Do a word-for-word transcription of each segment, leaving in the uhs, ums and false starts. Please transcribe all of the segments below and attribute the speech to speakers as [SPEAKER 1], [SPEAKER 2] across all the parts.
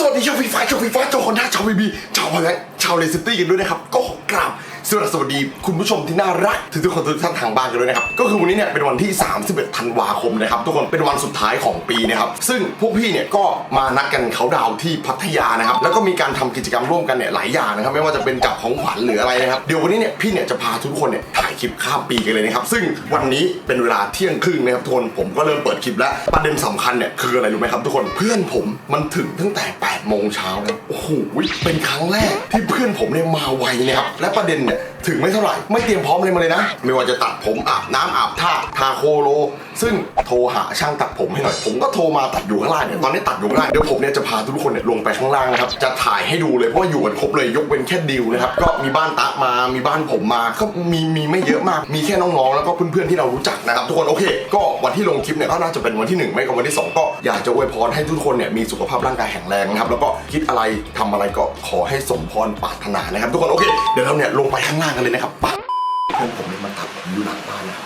[SPEAKER 1] วัสดีชาวฟีฟ้าชาวฟีฟ้าชาวคอนด้าชาวบีบีชาวพลังชาวเลสตี้กันด้วยนะครับก็กราบสวัสดีคุณผู้ชมที่น่ารักทุกคนทุกท่านทางบ้านกันด้วยนะครับก็คือวันนี้เนี่ยเป็นวันที่สามสิบเอ็ดธันวาคมนะครับทุกคนเป็นวันสุดท้ายของปีนะครับซึ่งพวกพี่เนี่ยก็มานัดกันเขาดาวที่พัทยานะครับแล้วก็มีการทำกิจกรรมร่วมกันเนี่ยหลายอย่างนะครับไม่ว่าจะเป็นจับของขวัญหรืออะไรนะครับเดี๋ยววันนี้เนี่ยพี่เนี่ยจะพาทุกคนเนี่ยถ่ายคลิปข้ามปีกันเลยนะครับซึ่งวันนี้เป็นเวลาเที่ยงครึ่งนะครับทุกคนผมก็เริ่มเปิดคลิปแล้วประเด็นสำคัญเนี่ยคืออะไรรู้ไหมครับทุกคนเพื่อนผมมันถึงตั้งแต่แปดโมงเช้าแล้วโอ้โหเป็นครั้งแรกที่เพื่อนผมเนี่ยมาไวนะครับและประเด็นเนี่ยถึงไม่เท่าไหร่ไม่เตรียมพร้อมอะไรมาเลยนะไม่ว่าจะตัดผมอาบน้ำอาบท่าทาโคโลซึ่งโทรหาช่างตัดผมให้หน่อยผมก็โทรมาตัดอยู่ข้างล่างเนี่ยตอนนี้ตัดอยู่ข้างล่างเดี๋ยวผมเนี่ยจะพาทุกคนเนี่ยลงไปข้างล่างนะครับจะถ่ายให้ดูเลยเพราะว่าอยู่กันครบเลยยกเว้นแค่ดิวนะครับก็มีบ้านตะมามีบ้านผมมาก็มีมีไม่เยอะมากมีแค่น้องๆแล้วก็เพื่อนๆที่เรารู้จักนะครับทุกคนโอเคก็วันที่ลงคลิปเนี่ยก็น่าจะเป็นวันที่หนึ่งไม่ก็วันที่สองก็อยากจะอวยพรให้ทุกคนเนี่ยมีสุขภาพร่างกายแข็งแรงนะครับแล้วก็คิดอะไรทำอะไรก็ขอให้สมพรปรารถนานะครับทุกคนโอเคเดี๋ยวเราเนี่ยลงไปข้างล่างกันเลยนะครับปั๊บเพื่อนผมเนี่ยมาตัดผมอยู่หลังบ้านนะครับ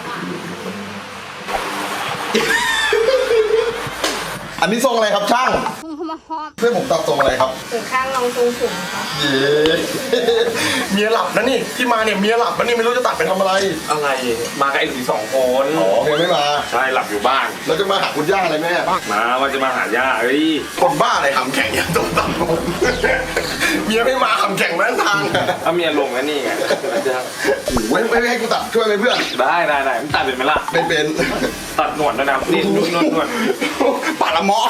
[SPEAKER 1] อันนี้ทรงอะไรครับช่างเพื่อนผมตัดทรงอะไรครับ
[SPEAKER 2] ถึงข้างลองทรงสูงครับ
[SPEAKER 1] เย้เมียหลับนะนี่ที่มาเนี่ยเมียหลับนะนี่ไม่รู้จะตัดไปทำอะไร
[SPEAKER 3] อะไรมากับไอ้หลุยสองคน
[SPEAKER 1] อ๋อเมียไม่มา
[SPEAKER 3] ใช่หลับอยู่บ้าน
[SPEAKER 1] แล้วจะมาหาคุณย่าอะไรแม่
[SPEAKER 3] มาว่าจะมาหาย่าเอ้ย
[SPEAKER 1] คนบ้าอะไรทำแข่งอย่างตัวตัดผมเมียไม่มาทำแข่งแม่ทาง
[SPEAKER 3] ถ้าเมียลงแล้วนี่ไง
[SPEAKER 1] ไม่ไม่ให้กูตัดช่วยไหมเพื่อน
[SPEAKER 3] ได้ได้ได้มันตัดเป็นไหมล่ะ
[SPEAKER 1] เป็นเป็น
[SPEAKER 3] ตัดหนวดนะนะนี่นวดนวดนวด
[SPEAKER 1] ปาละมอ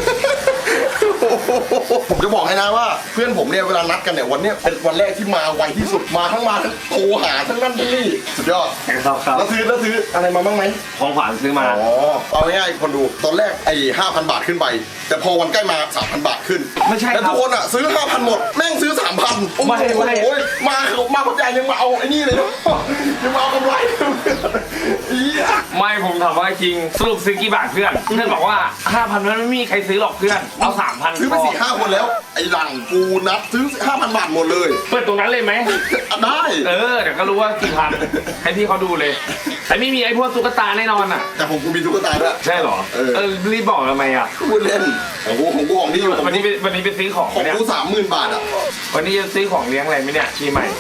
[SPEAKER 1] ผมจะบอกให้นะว่าเพื่อนผมเนี่ยเวลานัดกันเนี่ยวันนี้เป็นวันแรกที่มาไวที่สุดมาทั้งมาทั้งโทรหาทั้งนั่นทั้งนี่สุดยอด
[SPEAKER 3] ครับครับ
[SPEAKER 1] แล้วซื้อแล้วซื้ออะไรมาบ้างไหม
[SPEAKER 3] ของขวัญซื้อมา
[SPEAKER 1] อ๋อเอาง่ายๆคนดูตอนแรกไอ้ห้าพันบาทขึ้นไปแต่พอวันใกล้มาสามพันบาทขึ้น
[SPEAKER 3] ไม่ใช่
[SPEAKER 1] แต่ทุกคนอ่ะซื้อห้าพันหมดแม่งซื้อสามพันโอ้โหมามาพัทยายังมาเอาไอ้นี่เลยนะยังมาเอากำไร
[SPEAKER 3] ไม่ผมถามว่าจริงสรุปซื้อกี่บาทเพื่อนเพื่อนบอกว่าห้าพันนั้นไม่มีใครซื้อหรอกเพื่อนเอาสามพัน
[SPEAKER 1] ซื้อไปสี่ห้าคนแล้วไอ้หลังกูนัดซื้อห้าพันบาทหมดเลย
[SPEAKER 3] เปิดตรงนั้นเลยไหม
[SPEAKER 1] ได้
[SPEAKER 3] เออเดี๋ยวก็รู้ว่ากี่พันให้พี่เขาดูเลยแต่ไม่มีไอ้พวกตุ๊กตาแน่นอนอ่ะ
[SPEAKER 1] แต่ผมกูมีตุ๊กตาด้วย
[SPEAKER 3] ใช่หรอเออรีบบอกทำไมอ่ะ
[SPEAKER 1] พูดเล่นของกูของกูของที่อยู่
[SPEAKER 3] วันนี้วันนี้ไปซื้อของ
[SPEAKER 1] ของกูสามหมื่นบาทอ่ะ
[SPEAKER 3] วันนี้จะซื้อของเลี้ยงอะไรไหมเนี่ยปีใหม่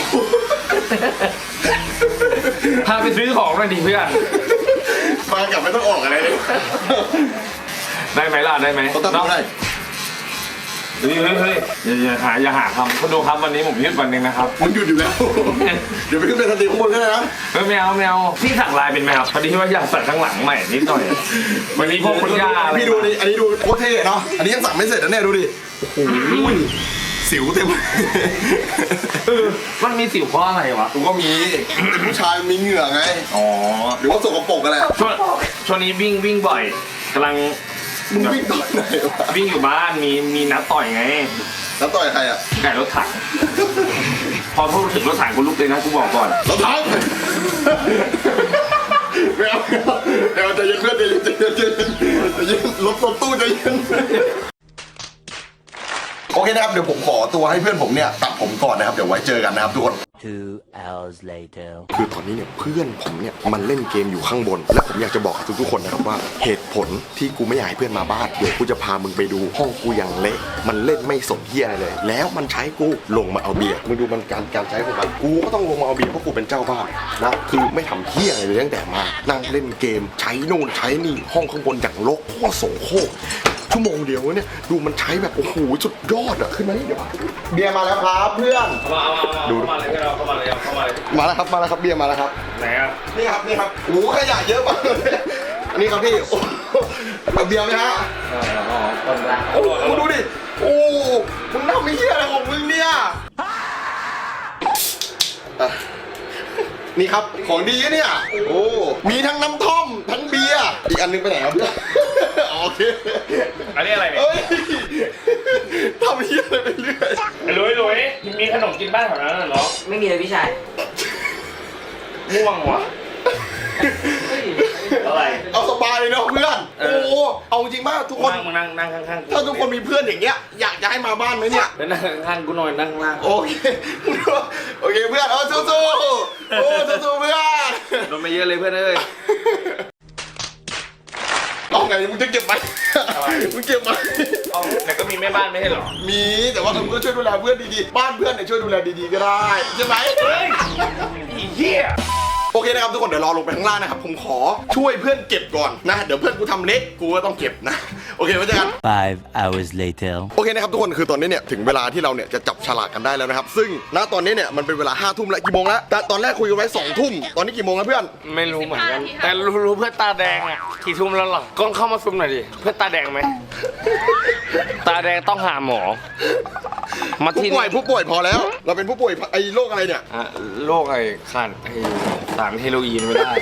[SPEAKER 3] พาไปซื้อของหน่อยดิเพื่อน
[SPEAKER 1] มากลับไม่ต้องออกอะไรเลย
[SPEAKER 3] ได้ไหมล่ะได้ไหม
[SPEAKER 1] ต้องได้
[SPEAKER 3] เฮ้ยเฮ้ยอย่าหาอย่าหาทำคุณดูครับวันนี้ผมหยุดวันนึงนะครับ
[SPEAKER 1] มึงหยุดอยู่แล้วเดี๋ยวไปขึ้นเป็นสตรีมข้างบนก็ได้นะ
[SPEAKER 3] ไม่เอาไม่เอาพี่สั่งลายเป็นไหมครับพอดีว่าอยากสั่งข้างหลังใหม่นิดหน่อยวันนี้พวกคุณย่าอะไร
[SPEAKER 1] พี่ดูนี่อันนี้ดูโคตรเท่เนาะอันนี้ยังสั่งไม่เสร็จนะเนี่ยดูดิโอ้โหสิวเต็ม
[SPEAKER 3] มันมีสิวเพราะอะไรวะ
[SPEAKER 1] กูก็มีผู้ชายมีเหงื่อไง
[SPEAKER 3] อ๋อ
[SPEAKER 1] หรือว่าสกปรกอะไร
[SPEAKER 3] ช่วงช่วงนี้วิ่งวิ่งบ่อยกำลัง
[SPEAKER 1] มึงวิ่งต่อยไหนวะ
[SPEAKER 3] วิ่งอยู่บ้านมีมีนัดต่อยไง
[SPEAKER 1] นัดต่อยใครอ่ะ
[SPEAKER 3] ไก่รถถังพอพูดถึงรถถังกูลุกเลยนะกูบอกก่อน
[SPEAKER 1] รถถังเดี๋ยวเดี๋ยวจะเย็นเพื่อนจะเย็นจะเย็นจะเย็นรถรถตู้จะเย็นโอเคนะครับเดี๋ยวผมขอตัวให้เพื่อนผมเนี่ยตัดผมก่อนนะครับเดี๋ยวไว้เจอกันนะครับทุกคน
[SPEAKER 4] two hours later
[SPEAKER 1] คือตอนนี้เนี่ยเพื่อนผมเนี่ยมันเล่นเกมอยู่ข้างบนและผมอยากจะบอกกับทุกๆคนนะครับว่าเหตุผลที่กูไม่อยากให้เพื่อนมาบ้านเดี๋ยวกูจะพามึงไปดูห้องกูอย่างเละมันเล่นไม่สนเหี้ยอะไรเลยแล้วมันใช้กูลงมาเอาเบียร์มึงดูมันการการใช้ของมันกูก็ต้องลงมาเอาเบียร์เพราะกูเป็นเจ้าบ้านนะคือไม่ทำเหี้ยอะไรเลยตั้งแต่มานั่งเล่นเกมใช้นู่นใช้นี่ห้องข้างบนอย่างรกโคตรโสโครกชั่วโมงเดียวเนี่ยดูมันใช้แบบโอ้โหสุดยอดอะขึ้นมานี่เดี๋ยวเบียร์มาแล้วครับเพื่อน
[SPEAKER 3] มาดูเข้ามาเลยเข้ามาเลยเข้ามาเลย
[SPEAKER 1] มาแล้วครับมาแล้วครับเบียร์มาแล้วครับ
[SPEAKER 3] ไหนอ่ะ
[SPEAKER 1] นี่ครับนี่ครับโอ้ขยะเยอะมากเลยนี่ครับพี่เอาเบียร์ไหมฮะ
[SPEAKER 3] อ๋อคนละ
[SPEAKER 1] โอ้มึงดูดิโอ้มึงทำไม่เหี้ยอะไรของมึงเนี่ยนี่ครับของดีเนี่ยโอ้มีทั้งน้ำท่อมทั้งเบียร์อีกอันนึงไปไหนครับโอเค
[SPEAKER 3] อันนี้อะไรเนี่ย
[SPEAKER 1] ทำเหี้ยอะไรไปเรื่อย
[SPEAKER 3] ลุยลุยมีขนมกินบ้านแถวนั้นเหรอ
[SPEAKER 2] ไม่มีเลยพี่ชาย
[SPEAKER 3] ม่วงว่ะอะไร
[SPEAKER 1] เอาสบายเลยเนาะเพื่อนโอ้เอาจริงมากทุกคน
[SPEAKER 3] นั่งนั่งข้างๆ
[SPEAKER 1] ถ้าทุกคนมีเพื่อนอย่างเงี้ยอยากจะให้มาบ้านไหมเนี่ย
[SPEAKER 3] นั่งข้างๆกูหน่อยนั่งล่าง
[SPEAKER 1] โอเคโอเคเพื่อนเอาสู้ๆโอ้สู้ๆเพื่อน
[SPEAKER 3] โดนไม่เยอะเลยเพื่อนเอ้ย
[SPEAKER 1] เอาไงมึงจะเก็บไหมมึงเก็บไหม
[SPEAKER 3] เอาแต่ก็มีแม่บ้านไม่ใช่เหรอ
[SPEAKER 1] มีแต่ว่าเออก็ช่วยดูแลเพื่อนดีๆบ้านเพื่อนเนี่ยช่วยดูแลดีๆก็ได้ใช่ไหม
[SPEAKER 3] เฮ้ยอีเหี้ย
[SPEAKER 1] โอเคนะครับทุกคนเดี๋ยวรอลงไปข้างล่างนะครับผมขอช่วยเพื่อนเก็บก่อนนะเดี๋ยวเพื่อนกูทำเล็กกูก็ต้องเก็บนะโอเคไว้เจอกัน
[SPEAKER 4] Five hours later.
[SPEAKER 1] โอเคนะครับทุกคนคือตอนนี้เนี่ยถึงเวลาที่เราเนี่ยจะจับฉลากกันได้แล้วนะครับซึ่งณตอนนี้เนี่ยมันเป็นเวลาห้าทุ่มแล้วกี่โมงแล้วแต่ตอนแรกคุยกันไว้สองทุ่มตอนนี้กี่โมงแล้วเพื่อน
[SPEAKER 3] ไม่รู้เหมือนกัน แต่รู้รู้เพื่อนตาแดงอ่ะกี่ทุ่มแล้วหรอกล้องเข้ามาซุมหน่อยดิเพื่อนตาแดงไหมตาแดงต้องหาหมอมา
[SPEAKER 1] ผู้
[SPEAKER 3] ที่
[SPEAKER 1] ป่วยผู้ป่วยพอแล้ว เราเป็นผู้ป่วยไอ้โรคอะไรเนี่ย
[SPEAKER 3] อ่ะโรคไอ้ขันไอ้สารเฮโรอีนไม่ได้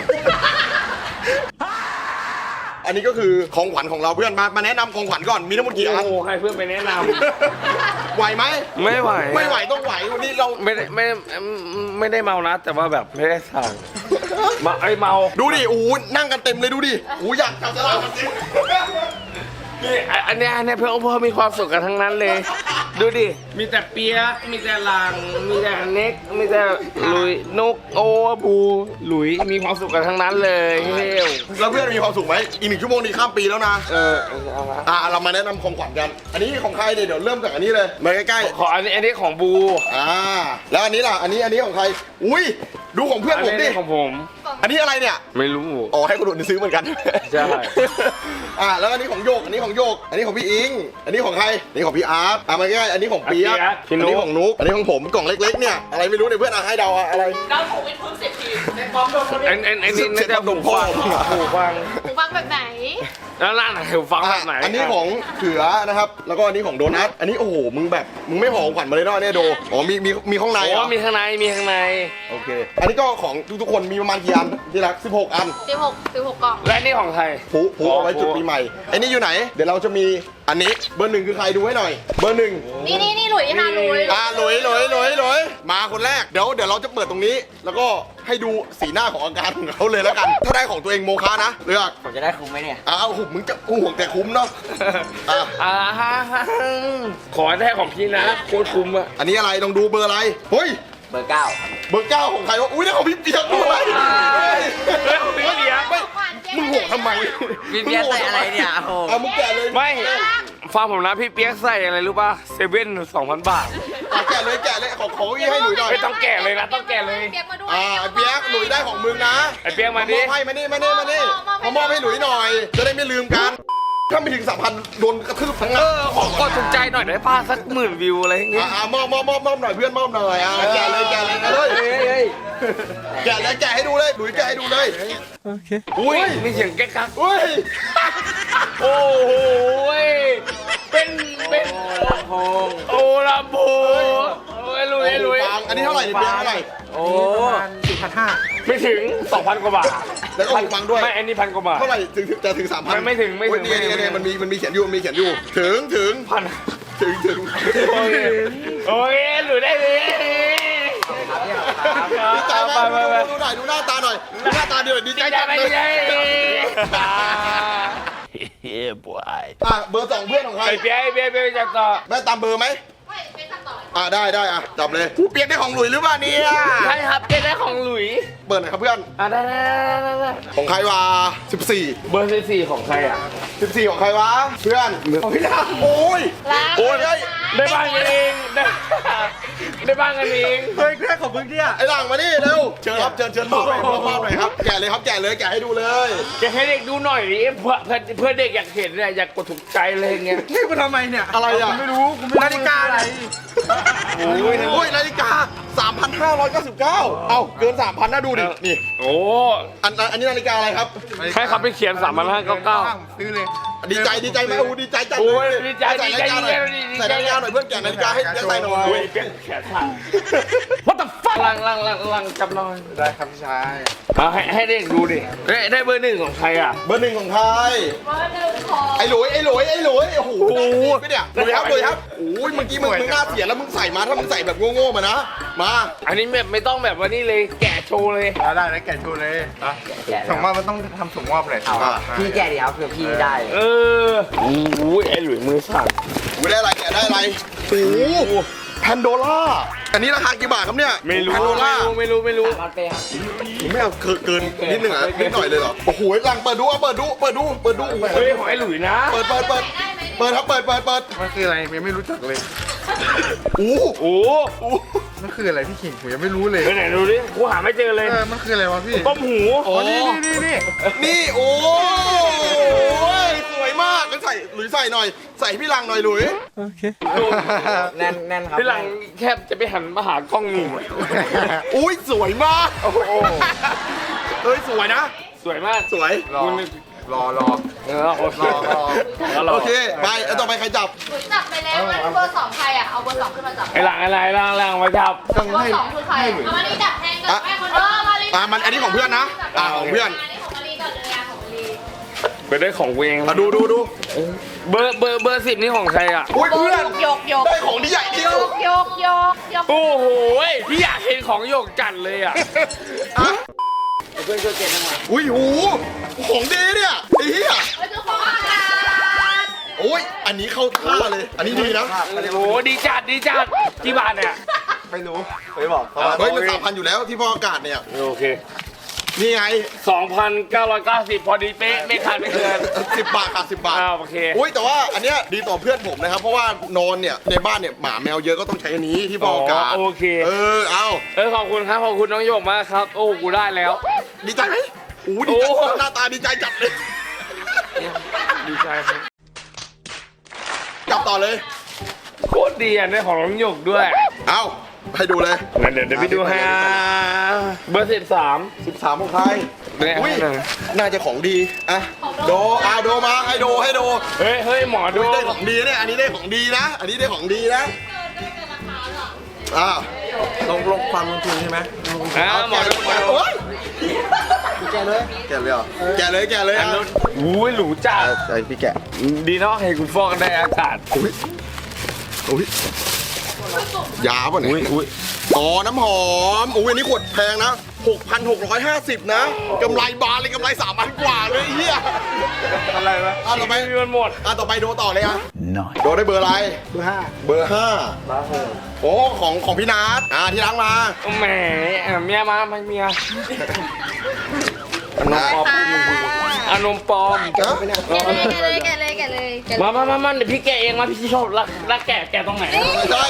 [SPEAKER 1] อันนี้ก็คือของขวัญของเราเพื่อนมามาแนะนำของขวัญก่อนมีทั้งหมดกี่อัน
[SPEAKER 3] โอ้ให้เพื่อนไปแนะน
[SPEAKER 1] ไหวไหม
[SPEAKER 3] ำไม่ไหว
[SPEAKER 1] ไม่ไหวต้องไหววันนี้เรา
[SPEAKER 3] ไม่ได้ไม่ไม่ได้เมานะ แต่ว่าแบบไม่ได้สั่งมาไอเมา
[SPEAKER 1] ดูดิโอ้โหนั่งกันเต็มเลยดูดิโอ้โหอยากจับฉลากกันจริง
[SPEAKER 3] นี่อันเนี้ยอันเนี้ยเพื่อนเพื่อนมีความสุขกันทั้งนั้นเลย ดูดิ มีแต่เปียก มีแต่หลัง มีแต่เน็ก มีแต่หลุยนกโอบูหลุยมีความสุขกันทั้งนั้นเลยเฮ้ย
[SPEAKER 1] แล้วเพื่อนมีความสุขไหมอีกหนึ่งชั่วโมงนี้ข้ามปีแล้วนะ
[SPEAKER 3] เออเอาละ
[SPEAKER 1] อ่ะเรามาแนะนำของขวัญกัน อันนี้ของใครเนี่ยเดี๋ยวเริ่มจากอันนี้เลยมาใกล้
[SPEAKER 3] ขออันนี้อันนี้ของบู
[SPEAKER 1] ๆอ่าแล้วอันนี้ล่ะอันนี้อันนี้ของใครอุ้ยดูของเพื่อน
[SPEAKER 3] อัน
[SPEAKER 1] ผม
[SPEAKER 3] นี้
[SPEAKER 1] ดิ
[SPEAKER 3] ของผม
[SPEAKER 1] อันนี้อะไรเนี่ย
[SPEAKER 3] ไม่รู้
[SPEAKER 1] อ๋อให้คนอื่นซื้อเหมือนกัน
[SPEAKER 3] ใช่
[SPEAKER 1] อ่าแล้วอันนี้ของโยกอันนี้ของโยก อันนี้ของพี่อิง อันนี้ของใครอันนี้ของพี่อาร์ตอ่ะมาใกล้ๆอันนี้ของเปียก
[SPEAKER 3] อ่ะเปี๊ยกพี่
[SPEAKER 1] อัน
[SPEAKER 3] นุ๊
[SPEAKER 1] นี้
[SPEAKER 3] ก
[SPEAKER 1] ของนุ๊กอันนี้ของผมกล่องเล็กๆเนี่ยอะไรไม่รู้เนี่ยเพื่อนอ่ะให้เดาอ่ะอะไร
[SPEAKER 2] เราถูกเป็นพึ่งสิบทีในพร้อมโดนคน
[SPEAKER 3] อันอันอันนี้น่าจะหูฟังหูฟัง
[SPEAKER 2] หูฟังแบบไหน
[SPEAKER 3] แล้วร้านไหนหูฟัง
[SPEAKER 1] อ่ะ
[SPEAKER 3] แบบไหน
[SPEAKER 1] อันนี้ของเขือนะครับ แล้วก็อันนี้ของโดนัท อันนี้โอ้โห มึงแบบ มึงไม่ห่อของขวัญมาเลยเนาะเนี่ยโด อ๋อ มี มี มีข้างใน
[SPEAKER 3] โอ้
[SPEAKER 1] เหรอ
[SPEAKER 3] มีข้างในมีข้างใน
[SPEAKER 1] โอเค อันนี้ก็ของทุกๆคนมีประมาณกี่อันที่รักสิบหกอัน
[SPEAKER 2] สิบหกสิบหกกล่อง
[SPEAKER 3] และนี่ของใคร
[SPEAKER 1] ผูผูเอาไว้จุดปีใหม่ไอ้นี่อยู่ไหน เดี๋ยวเราจะมีอันนี้ เบอร์หนึ่งคือใครดูให้หน่อย เบอร์หนึ่ง
[SPEAKER 2] นี่นี่นี่หลุยค่ะหลุย
[SPEAKER 1] อ่าหลอยหลอยหลอยหลอยมาคนแรก เดี๋ยว เดี๋ยวเราจะเปิดตรงนี้ แล้วก็ให้ดูสีหน้าของอาการของเขาเลยแล้วกัน ถ้าได้ของตัวเองโมฆะนะ เลือก
[SPEAKER 5] ผมจะได้คุ้มไหมเนี่ย
[SPEAKER 1] อ้าวหุบมึงจะกูห่วงแต่คุ้มเนาะอ่ะ
[SPEAKER 3] อ่าฮะขอได้ของพี่นะโคตรคุ้มอะ
[SPEAKER 1] อันนี้อะไรลองดูเบอร์อะไร เฮ้ย
[SPEAKER 5] เบอร์เก้า
[SPEAKER 1] เบอร์เก้าของใครวะ อุ้ยนี่ของพี่เปียกด้วยเฮ้ย
[SPEAKER 3] เฮ้ยของพี่เลี้ยง
[SPEAKER 1] ไม่มึงห่วงทำไม
[SPEAKER 5] พี่เบียร์ใส่อะไรเนี่ยโอ้โห
[SPEAKER 1] เอามึงแกะเลย
[SPEAKER 3] ไม่ฟังผมนะพี่เปียกใส่อะไรรู้ป่ะเซเว่นสองพันบาท
[SPEAKER 1] เอาแกะเลยแกะเลยขอขออีให้หนุ่ยหน่อย
[SPEAKER 3] ไม่ต้องแกะเลยนะต้องแกะเลย
[SPEAKER 2] เปียกมาด้วย
[SPEAKER 1] อ่าไอ้เปียกหนุ่ยได้ของมึงนะ
[SPEAKER 3] ไอเปียกมาดิ
[SPEAKER 1] มอบให้มานี่มานี่มานี่มามอบให้หนุ่ยหน่อย จะได้ไม่ลืมกัน ถ้าไม่ถึงสามพันโดนกระทืบทั้ง
[SPEAKER 3] เอ
[SPEAKER 1] นั้น
[SPEAKER 3] อขอกดถูกใจหน่อยได้ป่ะสักหมื่นวิวอะไรอย่างเงี้
[SPEAKER 1] อ่าย อ่ามอบมอบมอบมอบหน่อยเพื่อนมอบหน่อยอ่าแกะเลยแกะเลยเฮ้ย
[SPEAKER 5] เฮ้ยเฮ้ย
[SPEAKER 1] แกะเลยแกะให้ดูเลยหนุ่ยแกะให้ดูเลย
[SPEAKER 3] อุ้ยมีเสียงแก๊กกัก
[SPEAKER 1] อุ้ย
[SPEAKER 3] โอ้โหเป็นเป็น
[SPEAKER 5] ลำโพง
[SPEAKER 3] โอ้ลำโพงโอ้ยลุยลุย
[SPEAKER 1] ฟังอันนี้เท่าไหร่เนี่ยเปียกเท่าไหร่
[SPEAKER 5] โอ้
[SPEAKER 3] ไม่ถึงสองพันกว่าบาท
[SPEAKER 1] แล้วก็หูฟังด้วย
[SPEAKER 3] ไม่อันนี้พันกว่าบาท
[SPEAKER 1] เท่าไหร่ถึงถึงจะถึงสามพัน
[SPEAKER 3] ไม่ไม่ถึงไม่ถึง
[SPEAKER 1] นี่นี่
[SPEAKER 3] ไม่ถึ
[SPEAKER 1] นี่
[SPEAKER 3] ง
[SPEAKER 1] มันมีมันมีเขียนอยู่มันมีเขียนอยู่ถึงถึง
[SPEAKER 3] พัน
[SPEAKER 1] ถึงถึง
[SPEAKER 3] โอเคโอเคหลุยได้เลย
[SPEAKER 1] ดีใจไหม
[SPEAKER 3] ไปไปไป
[SPEAKER 1] ดูหน่อยดูหน้าตาหน่อยดูหน้าตาเดียวดีใจ
[SPEAKER 3] ใจ
[SPEAKER 1] จัง
[SPEAKER 3] ไป
[SPEAKER 1] เลย
[SPEAKER 3] ใจ
[SPEAKER 4] Yeah, boy.
[SPEAKER 1] อ่ะเบอร์สองเพื่อนของใคร
[SPEAKER 3] ไอเปียไอเปียเปียจับต่อ
[SPEAKER 1] ได้ตามเบอร์ไหม
[SPEAKER 2] ไม่เป็นขั้นตอน
[SPEAKER 1] อ่ะได้ได้อ่ะจับเลยผู้เปียกได้ของหลุยหรือเปล่าเนี่ย
[SPEAKER 3] ใช่ครับเจ๊ได้ของหลุย
[SPEAKER 1] เปิดหน่อยครับเพื่อน
[SPEAKER 3] อ่ะได้ได้ได้ได้
[SPEAKER 1] ของใครวะสิบสี่
[SPEAKER 3] เบอร์สี่สี่ของใครอ่ะ
[SPEAKER 1] สิบสี่ของใครวะเพื่อนของพี่ดาโอ้ย
[SPEAKER 2] ล้าง
[SPEAKER 1] โอ้ยเฮ้ย
[SPEAKER 3] ได้บ้านกันเองได้ได้บ้านกันเอง
[SPEAKER 5] เฮ้ยแค่ของมึงเนี่ย
[SPEAKER 1] ไอ้หลังมานี่เร็วเชิญครับเชิญเชิญมอบหน่อยมอบมอบหน่อยครับแกะเลยครับแกะเลยแกะให้ดูเลย
[SPEAKER 3] จะให้เด็กดูหน่อยดิเพื่อเพื่อเพื่อเด็กอยากเห็นเนี่ยอยากกดถูกใจเลยอย่างเงี้ย
[SPEAKER 5] นี่กูทำไมเนี่ย
[SPEAKER 1] อะไรอ่ะ
[SPEAKER 5] ไม่รู้กูไม่นาฬิกาอะไร
[SPEAKER 1] โอ้ยโอ้ยนาฬิกา สามพันห้าร้อยเก้าสิบเก้า เอ้าเกิน สามพัน นะดูดิ นี่
[SPEAKER 3] โอ้
[SPEAKER 1] อันอันอันนี้นาฬิกาอะไรครับ
[SPEAKER 3] ให้เขาไปเขียนสามพันห้าเก้าเก้า
[SPEAKER 5] ซื้อเลย
[SPEAKER 1] ดีใจดีใจไหมโอ้ดีใจจัง
[SPEAKER 3] โอ้
[SPEAKER 1] เลย ย
[SPEAKER 3] ดีใจ
[SPEAKER 1] ใส่นาฬิกาหน่อย
[SPEAKER 3] ดีใจ
[SPEAKER 1] ใส่นาฬิกาหน่อยเพื่อนแกะนาฬิกาให้ให้ใส่หน่อย
[SPEAKER 3] โอ้ยเปียกแขนสั่น What the fuck ลังลังลังลังจับหน่อย
[SPEAKER 5] ได้ครับพี่ชาย
[SPEAKER 3] เอาให้ให้เด็กดูดิได้ได้เบอร์หนึ่งของใครอ่ะ
[SPEAKER 1] เบอร์หนึ่งของใคร
[SPEAKER 2] เบอร์หนึ่งของ
[SPEAKER 1] ไอ้หลุยไอ้หลุยไอ้หลุยโอ้โห
[SPEAKER 3] โอ้โห
[SPEAKER 1] ไม่เนี่ยหลุยครับหลุยครับโอ้ยเมื่อกี้มึงมึงหน้าเสียแล้วมึงใส่มาถ้ามึงใส่แบบโง่ๆมานะ มา
[SPEAKER 3] อันนี้แบบไม่ต้องแบบว่านี่เลยแกะโชว์เลย
[SPEAKER 5] ได้แล้วแกะโชว์เลย
[SPEAKER 6] แกะ
[SPEAKER 5] ส่งมอบมันต้องทำส่งมอบเลย
[SPEAKER 6] เอาพี่แกะดิครับเผื่อพี่ได้
[SPEAKER 3] เออโอ้ยไอ้หลุยมือสั่น
[SPEAKER 1] อุ้ยได้อะไรแกะได้อะไรโอ้โหแพนโดล่าอันนี้ราคากี่บาทครับเนี่ย
[SPEAKER 3] ไม่รู้
[SPEAKER 1] แพนโด
[SPEAKER 3] ไม่
[SPEAKER 1] ล่า
[SPEAKER 3] รู้ไม่รู้ไม่รู้
[SPEAKER 6] มันเปย์ครับ
[SPEAKER 1] ไม่เอาเกินเกินนิดหนึ่งอ่ะนิดหน่อยเลยเหรอโอ้โหหลังเปิดดูเอาเปิดดูเปิดดูเปิดดู
[SPEAKER 3] เฮ้ยของไอ้หลุยนะ
[SPEAKER 1] เปิดเปิดเปิดเปิดครับเปิดเปิดเปิด
[SPEAKER 5] มันคืออะไรผมยังไม่รู้จักเลย
[SPEAKER 1] อู้
[SPEAKER 3] โอ้
[SPEAKER 5] มันคืออะไรพี่ขิงผมยังไม่รู้เลย
[SPEAKER 3] ไปไหนดูดิกูหาไม่เจอเลย
[SPEAKER 5] เออมันคืออะไรวะพี่
[SPEAKER 3] ต้มหู
[SPEAKER 1] โอ้
[SPEAKER 5] นี่นี่นี่
[SPEAKER 1] นี่โอ้ยสวยมากงั้นใส่หลุยใส่หน่อย ใส่พี่ลังหน่อยหลุย
[SPEAKER 6] แน่นแน่นครับ
[SPEAKER 3] พี่หลังแคบจะไปหันมาหากล้องนี่
[SPEAKER 1] อุ้ยสวยมากโอ้โหเฮ้ยสวยนะ
[SPEAKER 3] สวยมาก
[SPEAKER 1] สวย
[SPEAKER 5] รอรอรอ
[SPEAKER 3] เออโอเค
[SPEAKER 5] รอ
[SPEAKER 3] แล้วรอ
[SPEAKER 1] โอเคไปเอาต่อไปใครจับ
[SPEAKER 2] หลุยจับไปแล้วงั้นเบอร์สองใครอ่ะ เอาเบอร์สองขึ้นมาจับ
[SPEAKER 3] ไอ้หลังอะไรหลังหลังไว้จับ
[SPEAKER 5] ต้อง
[SPEAKER 2] เบอ
[SPEAKER 5] ให้
[SPEAKER 2] ร์สองคือใครอะเอามาลีจับแทนกับแม่คนเออมาลี
[SPEAKER 1] อ่ะมันอันนี้ของเพื่อนนะอ่ะของเพื่อน
[SPEAKER 2] อันนี้ของมาลีก่อนเลยอ่ะของมาลี
[SPEAKER 3] ไปได้ของเวง
[SPEAKER 1] อ่ะดูดูดู
[SPEAKER 3] เบอร์เบอร์เบอร์สิบนี่ของใครอ่ะ
[SPEAKER 1] อุ้ยเพื่อน
[SPEAKER 2] ยกยก
[SPEAKER 1] ได้ของที่ใหญ่ที่
[SPEAKER 2] ย
[SPEAKER 1] สุด
[SPEAKER 2] กยกยกยก
[SPEAKER 3] โอ้โหพี่อยากเห็นของโยกจัดเลยอ่ะ
[SPEAKER 1] อ่ะ
[SPEAKER 6] เพื่อนช่วยเก็บหน่อย
[SPEAKER 1] อุ้ยหูของดีเนี่ยไอ้เหี้ย
[SPEAKER 2] มันคือของอากาศ
[SPEAKER 1] โอ้ยอันนี้เข้าท่าเลย อันนี้ดีนะ
[SPEAKER 3] โอ้โหดีจัดดีจัดกี่บาทเนี่ย
[SPEAKER 5] ไม่รู้ไม่บอกเขาว่า
[SPEAKER 1] เฮ้ยมันสามพันอยู่แล้วที่พ่ออากาศเนี่ย
[SPEAKER 3] โอเค
[SPEAKER 1] นี่ไง
[SPEAKER 3] สองพันเก้าร้อยเก้าสิบพอดีเป๊ะไม่ขาดไม่เกิน
[SPEAKER 1] สิบบาทค่ะสิบบาท
[SPEAKER 3] อ้าวโอเค
[SPEAKER 1] อุ้ยแต่ว่าอันเนี้ยดีต่อเพื่อนผมนะครับ เพราะว่านอนเนี่ยในบ้านเนี่ยหมาแมวเยอะก็ต้องใช้อันนี้ที่พ่ออากาศ
[SPEAKER 3] อ๋อโอเค
[SPEAKER 1] เออเอา
[SPEAKER 3] เออขอบคุณครับขอบคุณน้องโยกมากครับ โอ้กูได้แล้ว
[SPEAKER 1] ดีใจไหมโอ้ดีใจ
[SPEAKER 3] โอ้
[SPEAKER 1] หน้าตาดีใจจัดเลย
[SPEAKER 3] ดีใจครับ
[SPEAKER 1] จับต่อเลย
[SPEAKER 3] โคตรดีอ่ะได้ของน้องโยกด้วย
[SPEAKER 1] เอาให้ดูเลย
[SPEAKER 3] งั้นเดี๋ยวเดี๋ยวไปดูให้อ่ะเบอร์สิบสาม
[SPEAKER 1] สิบสามของใคร
[SPEAKER 3] เนี่ย
[SPEAKER 1] อุ้ย
[SPEAKER 3] ให้หน่อย
[SPEAKER 1] น่าจะของดีอ่ะโดอ่ะโดมาให้โดให้โด
[SPEAKER 3] เฮ้ยเฮ้ยหมอดู
[SPEAKER 1] ได้ของดีเนี่ยอันนี้ได้ของดีนะ อันนี้ได้ของดีนะอ้าว
[SPEAKER 5] ลงลงความลงทุนใช่ไหม
[SPEAKER 3] อ่าหมอดูหมอดู
[SPEAKER 1] โอ้ย
[SPEAKER 5] แกเลยแกเลยเหรอ
[SPEAKER 1] แกะเลยแกะเลย
[SPEAKER 3] อัน
[SPEAKER 1] อ่ะ
[SPEAKER 3] นู้นอุ้ยหรูจัด
[SPEAKER 5] ใช่พี่แกะ
[SPEAKER 3] ดีเนาะให้คุณฟอกได้อากาศ
[SPEAKER 1] อุ้ยอุ้ยยาป่ะเนี่ย
[SPEAKER 3] อุ้ยอุ้ย
[SPEAKER 1] อ๋อน้ำหอมอุ้ยอันนี้ขวดแพงนะหกพันหกร้อยห้าสิบนะกำไรบานเลยกำไรสามพันกว่าเลยไอ้เฮีย
[SPEAKER 5] อะไรวะ
[SPEAKER 1] อ่ะต่อไป
[SPEAKER 3] มีมันหมด
[SPEAKER 1] อ่ะต่อไปโดต่อเลยอ่ะ
[SPEAKER 4] Nice.
[SPEAKER 1] โดได้เบอร์อะไร
[SPEAKER 5] เบอร์ห้า
[SPEAKER 1] เบอร์ห้าโอ้ของของพี่นัทอ่าที่ล้างมา
[SPEAKER 3] แหมอ่ะเมียมาไม่เมีย
[SPEAKER 1] อันนั้น
[SPEAKER 2] ค่ะ
[SPEAKER 3] อานมปลอม
[SPEAKER 2] แกะเลยแกะเลยแกะเลยแกะเลย
[SPEAKER 3] มามามามาเดี๋ยวพี่แกะเองมาพี่ชอบรักรักแกะแกะตรงไหน
[SPEAKER 1] ไม่ใช่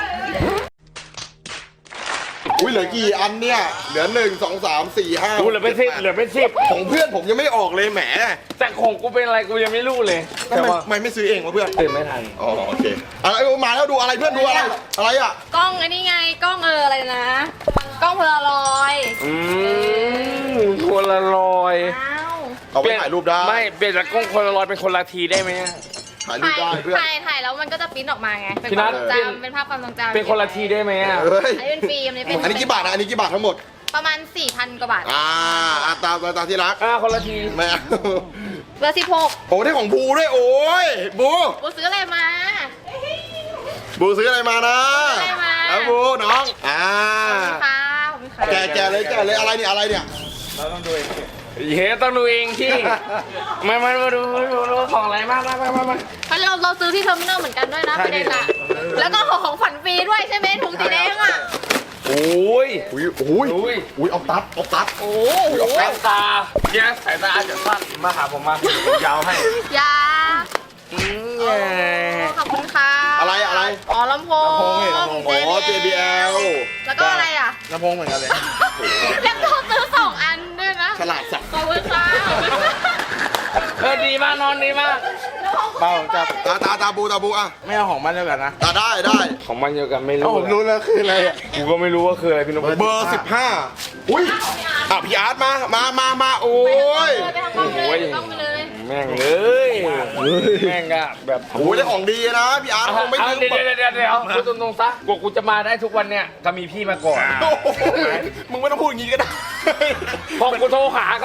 [SPEAKER 1] อุ้ยเหลือกี่อันเนี่ยเหลือหนึ่งสองสามสี่ห้า
[SPEAKER 3] กูเหลือเป็นสิบเหลือเป็นสิบ
[SPEAKER 1] ของเพื่อนผมยังไม่ออกเลยแหม
[SPEAKER 3] แต่ของกูเป็นอะไรกูยังไม่รู้เลย
[SPEAKER 1] ทำไมทำไมไม่ซื้อเองวะเพื่อน
[SPEAKER 3] ตื่นไม่ทัน
[SPEAKER 1] อ๋อโอเคอะไรเออมาแล้วดูอะไรเพื่อนดูอะไรอะไรอ่ะ
[SPEAKER 2] กล้องไอ้นี่ไงกล้องเอออะไรนะ กล้องโพลารอยด์
[SPEAKER 3] อืมคนละลอย
[SPEAKER 2] อ้าว
[SPEAKER 1] เอาไปถ่ายรูปได้
[SPEAKER 3] ไม่เปลี่ยนจากกล้องคนละลอยเป็นคนละทีได้ไหม
[SPEAKER 1] ถ่ายรูป
[SPEAKER 2] ถ่าย
[SPEAKER 1] ได้เพื่อน
[SPEAKER 2] ถ่ายถ่ายแล้วมันก็จะปริ้นออกมาไง เป็น
[SPEAKER 3] พี่
[SPEAKER 2] ค
[SPEAKER 3] นั
[SPEAKER 2] วาม
[SPEAKER 3] ท
[SPEAKER 2] ทรงจำเป็นภาพความทรงจำ
[SPEAKER 3] เป็นคนละทีได้ไหมอ่ะ
[SPEAKER 1] เฮ้ย
[SPEAKER 2] อันนี้เป็นฟิล์มอันนี้เป็น
[SPEAKER 1] อันนี้กี่บาทนะอันนี้กี่บาททั้งหมด
[SPEAKER 2] ประมาณ สี่พัน กว่าบาท
[SPEAKER 1] อ่าอ่าตามตามที่รัก
[SPEAKER 3] อ่าคนละที
[SPEAKER 1] ไม่เอา
[SPEAKER 2] เบอร์สิบหก
[SPEAKER 1] โอ้ได้ของบูด้วยโอ้ยบู
[SPEAKER 2] กูซื้ออะไรมา
[SPEAKER 1] บูซื้ออะไรมานะ
[SPEAKER 2] ซื้ออะไรมา
[SPEAKER 1] แล้วบูน้องอ่า
[SPEAKER 2] ค่ะขอบคุณค่ะ
[SPEAKER 1] แกะแกะเลยแกะเลยอะไรเนี่ยอะไรเนี่ย
[SPEAKER 3] เฮ้ยต้องดูเองที่มามามาดูดูดูของอะไรมากมากมากมาก
[SPEAKER 2] เพราะเราเราซื้อที่เทอร์มินอลเหมือนกันด้วยนะประเด็นอะแล้วก็ของฝันฟรีด้วยใช่ไหมถุงสีแดงอะ
[SPEAKER 3] โอ้ย
[SPEAKER 1] อุ้ยอุ้ย
[SPEAKER 3] อุ้ย
[SPEAKER 1] อุ้ยเอาตัดเอาตัด
[SPEAKER 2] โอ้
[SPEAKER 3] สายตาเนี่ยสายตาอาจจะสั้นมาหาผมมายาวให้
[SPEAKER 2] ยา
[SPEAKER 3] อืม
[SPEAKER 2] โอ้ขอบคุณค่ะ
[SPEAKER 1] อะไรอะไร
[SPEAKER 2] อ๋อลำโพง
[SPEAKER 1] โอ้ เจ บี แอล
[SPEAKER 2] แล้วก็อะไรอ่ะ
[SPEAKER 5] ลำโพงเหมือนกันเลย
[SPEAKER 2] แล้วก็ซื้อสองอันด้วยนะ
[SPEAKER 1] ฉลาดสัก
[SPEAKER 2] ขอบคุณค่ะ
[SPEAKER 3] เออดีมากนอนดีมาก
[SPEAKER 5] เปล่าจับ
[SPEAKER 1] ตาตาตาบูตาบูอ่ะ
[SPEAKER 5] ไม่เอาของมันเดียวกันนะ
[SPEAKER 1] ตาได้ได้
[SPEAKER 3] ของมันเดียวกันไม่
[SPEAKER 5] เอ้า
[SPEAKER 3] รู้
[SPEAKER 5] ผมรู้แล้วคืออะไรอ่ะ
[SPEAKER 3] กูก็ไม่รู้ว่าคืออะไรพี่นพ
[SPEAKER 1] เบอร์สิบห้าอุ้ยอ่ะพี่อาร์ตมามามามาโอ้ย
[SPEAKER 2] ไปทางกล้องเลยกล้องไปเลย
[SPEAKER 3] แม่งเลยแม่งอะแบบ
[SPEAKER 1] โอ้ยได้ของดีนะพี่อาร์ตคงไม่
[SPEAKER 3] เอา
[SPEAKER 1] ลืม
[SPEAKER 3] เดี๋ยวเดี๋ยวเดี๋ยวเดี๋ยวพูดตรงๆซะกว่ากูจะมาได้ทุกวันเนี่ยก็มีพี่มาก่อน
[SPEAKER 1] โอ้โหมึงไม่ต้องพูดอย่างนี้ก็ได้
[SPEAKER 3] พอกูโทรหาก็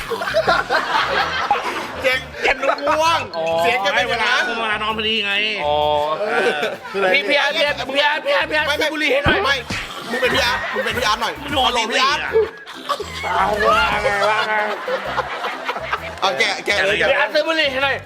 [SPEAKER 1] เจ๊งเก็บลูกง่วง
[SPEAKER 3] อ๋อ
[SPEAKER 1] เสียงแกเป็นอย่างนั้น
[SPEAKER 5] มานอนพอดีไง
[SPEAKER 3] อ๋อพี่พี่อาร์ตพี่อาร์ตพี่อาร์ตพี่อาร์ตพี่อาร์ต
[SPEAKER 1] ไม่ไม่
[SPEAKER 3] บุหรี่ให้หน่อย
[SPEAKER 1] ไม่มึงเป็นพี่อาร์ตมึงเป็นพี่อาร์ตหน่อยฮัลโหลพี่อาร์ต
[SPEAKER 3] เอาว่าไงว่าไง
[SPEAKER 1] เอาแกะแกะเลย
[SPEAKER 3] พี่
[SPEAKER 1] แกะ
[SPEAKER 3] อาร์ตซื้อบุหรี่ให้หน่อย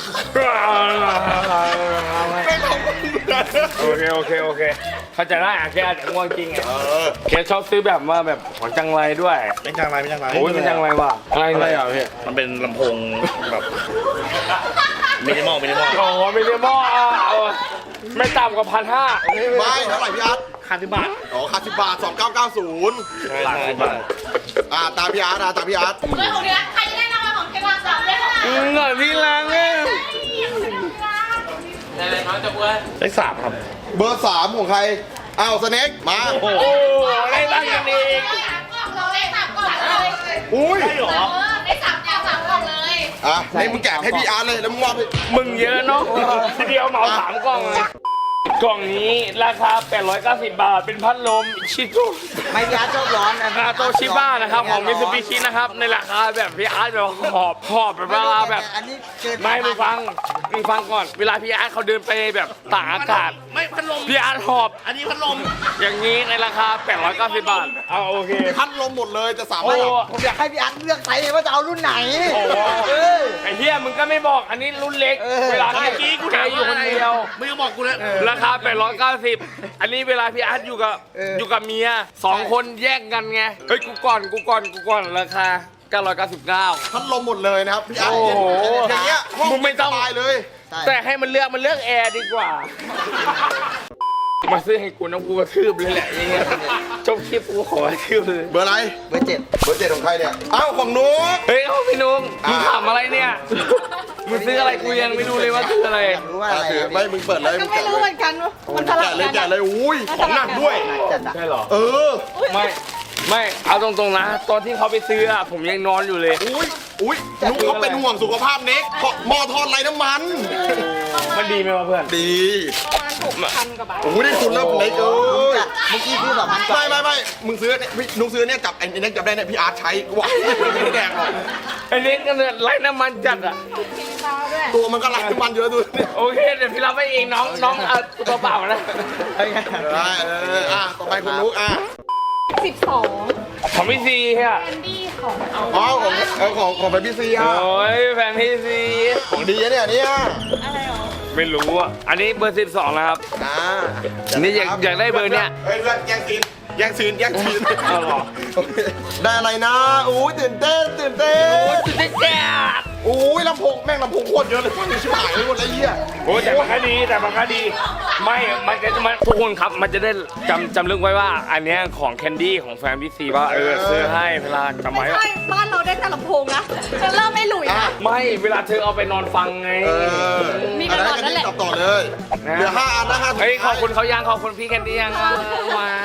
[SPEAKER 1] ไม่ต้อง
[SPEAKER 3] โอเคโอเคโอเคเข้าใจได้อะแกอาจจะง่วงจริงไง
[SPEAKER 1] เออ
[SPEAKER 3] แกชอบซื้อแบบว่าแบบของจังไรด้วย
[SPEAKER 5] ไม่จังไรไม่จังไร
[SPEAKER 3] โอ้ยมันจังไรวะอะไร
[SPEAKER 5] อะไร
[SPEAKER 3] เนี่ย
[SPEAKER 5] อ่ะพี่มันเป็นลำโพงแบบไม่ได้มองไม่ได้มอง
[SPEAKER 3] อ๋อไม่ได้หม้ออ่ะเอาไม่ต่ำกว่าพันห้า
[SPEAKER 1] ไม่เท่าไหร่พี่อาร์ต
[SPEAKER 5] ค่าสิบบาท
[SPEAKER 1] อ๋อค่าสิบบาทสองเก้าเก้าศูนย์
[SPEAKER 5] ใช่ใช่ใช่
[SPEAKER 1] อ่าตามพี่อาร์ตนะตามพี่อาร์ต
[SPEAKER 2] เฮ้ยของเดือนใครจะได้รางวัลของเทวาสามได้เท่าไหร่
[SPEAKER 3] อืมหน่อยที่ล้างเอง
[SPEAKER 5] เลขสามครับ
[SPEAKER 1] เบอร์สามของใครอ้าวสเน็กมา
[SPEAKER 3] โอ้ได้ตั้งกันเอง
[SPEAKER 2] ได้สามกล่องเราได้สามกล่องเลย
[SPEAKER 1] อุ้ย
[SPEAKER 5] ใช่เหรอ
[SPEAKER 2] เออได้สามอย่างสามกล่องเลย
[SPEAKER 1] อ่ะให้มึงแกะให้พี่อาร์ตเลยแล้วมึงมอบให้
[SPEAKER 3] มึงเยอะเนาะทีเดียวเหมาสามกล่องเลยกล่องนี้ราคาแปดร้อยเก้าสิบบาทเป็นพัดลมชิโต
[SPEAKER 6] ไม่พี่อาร์ตชอบร้อนนะ
[SPEAKER 3] คาโตชิบ้านะครับของมิตซูบิชินะครับในราคาแบบพี่อาร์ตแบบหอบหอบแบบว่าแบบ
[SPEAKER 6] อันนี้เกิน
[SPEAKER 3] ไม่มึงฟังมึงฟังก่อนเวลาพี่อาร์ตเขาเดินไปแบบต่างอากาศ
[SPEAKER 5] ไม่พัดลม
[SPEAKER 3] พี่อาร์ตหอบ
[SPEAKER 5] อันนี้พัดลม
[SPEAKER 3] อย่างนี้ในราคาแปดร้อยเก้าสิบบาทเอาโอเค
[SPEAKER 1] พัดลมหมดเลยจะสาม
[SPEAKER 3] โอ้
[SPEAKER 1] ารถ
[SPEAKER 6] ผมอยากให้พี่อาร์ตเลือกไซส์ว่าจะเอารุ่นไหน
[SPEAKER 3] โอ้
[SPEAKER 6] เออ
[SPEAKER 3] ไอ้เหี้ยมึงก็ไม่บอกอันนี้รุ่นเล็ก
[SPEAKER 6] เออ
[SPEAKER 3] เวลา
[SPEAKER 5] เมื่อกี้กู
[SPEAKER 3] แก
[SPEAKER 5] ถาม
[SPEAKER 3] อยู่คนเดียว
[SPEAKER 5] ไม่ต้องบอกกูเลย
[SPEAKER 3] ราคาแปดร้อยเก้าสิบอันนี้เวลาพี่อาร์ตอยู่กับอยู่กับเมียสองคนแยกกันไงเฮ้ยกูก่อนกูก่อนกูก่อนราคาเก้าร้อยเก้าสิบเก้า
[SPEAKER 1] พัดลมหมดเลยนะครับพี่อาร์ต
[SPEAKER 3] โอ้โห
[SPEAKER 1] อย่างเงี้ยห้อง
[SPEAKER 3] มึงไม่ต้อง
[SPEAKER 1] สบายเลย
[SPEAKER 3] แต่ให้มันเลือกมันเลือกแอร์ดีกว่า มาซื้อให้กูน้องกูกระทืบเลยแหละอย่างเงี้ยจบคลิปกูขอกระทืบเลย
[SPEAKER 1] เบอร์อะไร
[SPEAKER 6] เบอร์เจ็ด
[SPEAKER 1] เบอร์เจ็ดของใครเนี่ยอ้าวของนุ๊ก
[SPEAKER 3] เฮ้ยเอาพี่นุ่งมึงถามอะไรเนี่ยมึงซื้ออะไรกูยังไม่รู้เลยว่าซื้ออะไร
[SPEAKER 6] อยากรู้ว่าอะไร
[SPEAKER 1] ถือไม่มึงเปิดเลย
[SPEAKER 2] ก็
[SPEAKER 1] มึง
[SPEAKER 2] ไม่
[SPEAKER 1] แกะ
[SPEAKER 2] รู้
[SPEAKER 1] เล
[SPEAKER 2] เหมื
[SPEAKER 1] ย
[SPEAKER 2] อนกันว่ามันสลั
[SPEAKER 1] แกะ
[SPEAKER 2] บ
[SPEAKER 1] เลย
[SPEAKER 2] กัน
[SPEAKER 1] แกะเลยอุ้ยของหนักด้วย
[SPEAKER 6] จัดอะ
[SPEAKER 3] ใช่เหรอ
[SPEAKER 1] เออ
[SPEAKER 3] ไม่ไม่เอาตรงๆนะตอนที่เขาไปซื้ออะผมยังนอนอยู่เลย
[SPEAKER 1] อุ้ยอุ้ยนุ๊กเขาเป็นห่วงสุขภาพเน็กเพราะหม้อทอดไร้น้ำมัน
[SPEAKER 3] มันดีไหมวะเพื่อน
[SPEAKER 1] ดี
[SPEAKER 2] ประมาณหกพันกว่าบาท
[SPEAKER 1] โอ้ยได้คุณแล้วเน็กเอ้ย
[SPEAKER 6] จัดเมื่อกี้ซื้อสองพันกว่า
[SPEAKER 1] ไม่ไม่ไม่มึงซื้อเนี่ยพี่นุ๊กซื้อเนี่ยจับไอ้เน็กจับได้เนี่ยพี่อาร์ตใช้ว้ายไม่ได้แดกหรอก
[SPEAKER 3] ไอ้นี่ก็เนี่ยไร้น้ำมันจัดอะ
[SPEAKER 2] กินเปล่าด้วย
[SPEAKER 1] ตัวมันก็ไร้น้ำมันเยอะดูเนี่ย
[SPEAKER 3] โอเคเดี๋ยวพี่รับไปเองน้องน้องเอาตัวเปล่านะ
[SPEAKER 1] ได้เอออ่ะต่อไปคุณนุ๊กอ่ะ
[SPEAKER 2] สิบสอง
[SPEAKER 3] ของพี่ซีเฮีย
[SPEAKER 2] แคนดี้ของเอา
[SPEAKER 1] อ๋อของเออของของไปพี่ซีอ่ะ
[SPEAKER 3] โอ้ยแฟนพี่ซี
[SPEAKER 1] ของดีนะเนี่ยเนี่ย
[SPEAKER 2] อะไรหรอ
[SPEAKER 3] ไม่รู้อ่ะอันนี้เบอร์สิบสองนะครับ
[SPEAKER 1] อ่า
[SPEAKER 3] นี่อยากอยากได้เบอร์เนี้ย
[SPEAKER 1] เฮ้ยเพื่อนแย่งซีนแย่งซีนแย่งซีน
[SPEAKER 3] เอาเหรอ
[SPEAKER 1] โอเคได้อะไรนะอู้ยตื่นเต้นตื่นเต้น
[SPEAKER 3] จุดเด็ดแจ๊ด
[SPEAKER 1] อู้ยลำโพงแม่งลำโพงโคตรเยอะเลยฟังชิบหายเลยหมดเลยเหี้ย
[SPEAKER 3] โอ้ยแต่มันก็ดีแต่มันก็ดี ไม่มันจะมันทุกคนครับมันจะได้จำจำเรื่องไว้ว่า อันเนี้ยของแคนดี้ของแฟนพี่ซีว่าเออซื้อให้เวลาจำ
[SPEAKER 2] ไม่
[SPEAKER 3] ไว้ว่า
[SPEAKER 2] ใช่บ้านเราได้แต่ลำโพงนะจะเริ่มไม่หลุย
[SPEAKER 1] อ่ะ
[SPEAKER 2] นะ
[SPEAKER 3] ไม่เวลาเธอเอาไปนอนฟังไง
[SPEAKER 1] เออ
[SPEAKER 2] มีกันก่อนนั่นแหละ
[SPEAKER 1] ตอบต่อเลยเหลือห้าอันนะห้า
[SPEAKER 3] เฮ้ยขอบคุณเขายังขอบคุณพี่แคนดี้ยังว้าย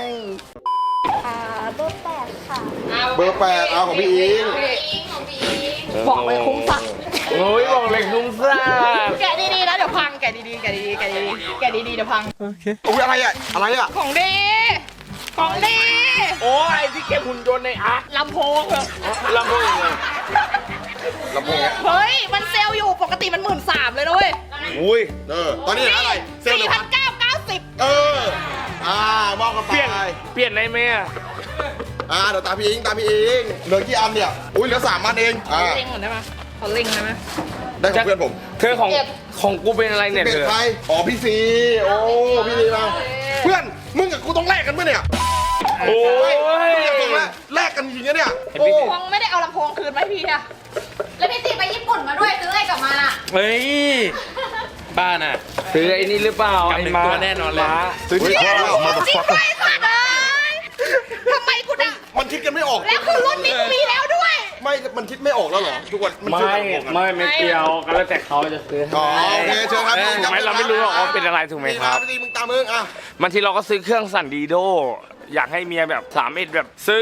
[SPEAKER 2] ค่ะเบอร์แปดค่ะ
[SPEAKER 1] เบอร์แปดเอาของพี่อิง
[SPEAKER 2] ของพี่อิงบอกเลยคุ้มสัก
[SPEAKER 3] โอ้ยบอกเลยคุ้มซ่า
[SPEAKER 2] แกะดีๆนะเดี๋ยวพังแกะดีๆแกะดีๆแกะดีๆแกะดีๆเดี๋ยวพัง
[SPEAKER 1] อุ้ยอะไรอ่ะอะไรอ่ะ
[SPEAKER 2] ของดี ของดี
[SPEAKER 3] โอ้ยที่เก็บหุ่นยนต์ในอาร์ต
[SPEAKER 2] ลำโพงเหรอ
[SPEAKER 3] ลำโพงยังไง
[SPEAKER 1] ลำโพงเนี่ย
[SPEAKER 2] เฮ้ย มันเซลล์อยู่ปกติมันหมื่นสามเลยนะเว้ย
[SPEAKER 3] อุ้ย
[SPEAKER 1] เออตอนนี้เหลืออะไรเซลล์เหลื
[SPEAKER 2] สี่
[SPEAKER 1] อ
[SPEAKER 2] พันเก้าเก้าสิบ
[SPEAKER 1] เอออ่ามองกันไป
[SPEAKER 3] เปลี่ยนเปลี่ยนได้ไหมอะ
[SPEAKER 1] อ่าเดี๋ยวตามพี่อิงตามพี่อิงเหลือกี่อันเนี่ยอุ้ยเหลือสามอันเองอ่า
[SPEAKER 2] เล่งก่อนได้ไหมเขาเล่งได้ไหม
[SPEAKER 1] ได้ของเพื่อนผม
[SPEAKER 3] เธอของของกูเป็นอะไรเนี่ย
[SPEAKER 1] เป็
[SPEAKER 3] เธ
[SPEAKER 1] น
[SPEAKER 3] อ
[SPEAKER 1] ใครอ๋อพี่ซีโอ้พี่ซีมาเพื่อนมึงกับกูต้องแลกกันเมื่อเนี่ย
[SPEAKER 3] โอ้ย
[SPEAKER 1] มึงกับกูแลกแลกกันจริงๆนะเนี่ยโอ้
[SPEAKER 2] พวงไม่ได้เอาลำโพงคืนไหมพี่อะแล้วพี่ตีไปญี่ปุ่นมาด้วยซื้ออะไรกลับมาอะ
[SPEAKER 5] เฮ้ย บ้านอ่ะ
[SPEAKER 3] ซื้อไอ้นี่หรือเปล่า
[SPEAKER 5] กับหนึ่ง
[SPEAKER 3] ไม้า
[SPEAKER 5] ตัวแน่นอนเลย
[SPEAKER 3] ม้า
[SPEAKER 1] ซื้อที่
[SPEAKER 2] เนี่ย
[SPEAKER 1] ข้าวมา
[SPEAKER 2] จริงด้วยสัตว์เลยทำไมกูดัง
[SPEAKER 1] มันคิดกันไม่ออก
[SPEAKER 2] แล้วคือรุ่นนี้กูมีแล้วด้วย
[SPEAKER 1] ไม่มันคิดไม่ออกแล้วเหรอทุกวันมัน
[SPEAKER 3] ไม่
[SPEAKER 1] ซื้อกันออกกัน
[SPEAKER 3] ไม่ไม่เกี่ยวก็แล้วแต่เขาจะซื้อ
[SPEAKER 1] อ๋อโอเคเชิญครับ
[SPEAKER 3] ถูกไหมเราไม่รู้หรอกว่าเป็นอะไรถูกไหมครับ
[SPEAKER 1] พี่ซีมึงตามมึงอ่ะ
[SPEAKER 3] บางทีเราก็ซื้อเครื่องสั่นดีโด อยากให้เมียแบบสามเอ็ดแบบซื้อ